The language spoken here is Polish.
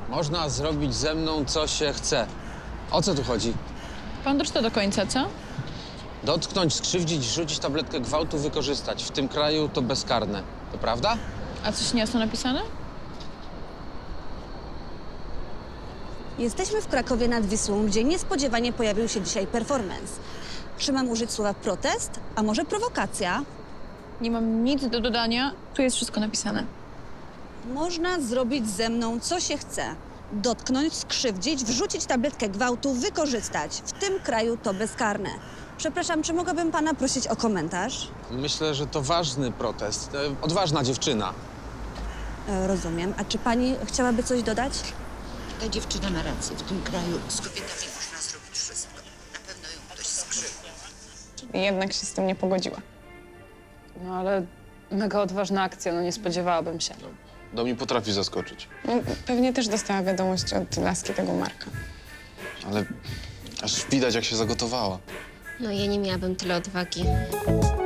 Można zrobić ze mną, co się chce. O co tu chodzi? Pan doczyta do końca, co? Dotknąć, skrzywdzić, rzucić tabletkę gwałtu, wykorzystać. W tym kraju to bezkarne. To prawda? A coś niejasno napisane? Jesteśmy w Krakowie nad Wisłą, gdzie niespodziewanie pojawił się dzisiaj performance. Czy mam użyć słowa protest, a może prowokacja? Nie mam nic do dodania. Tu jest wszystko napisane. Można zrobić ze mną, co się chce. Dotknąć, skrzywdzić, wrzucić tabletkę gwałtu, wykorzystać. W tym kraju to bezkarne. Przepraszam, czy mogłabym pana prosić o komentarz? Myślę, że to ważny protest. Odważna dziewczyna. Rozumiem. A czy pani chciałaby coś dodać? Ta dziewczyna ma rację. W tym kraju z kobietami można zrobić wszystko. Na pewno ją ktoś skrzywdził. I jednak się z tym nie pogodziła. No ale mega odważna akcja, no nie spodziewałabym się. Do mnie potrafi zaskoczyć, No, pewnie też dostała wiadomość od laski tego Marka. ale aż widać, jak się zagotowała. No ja nie miałabym tyle odwagi.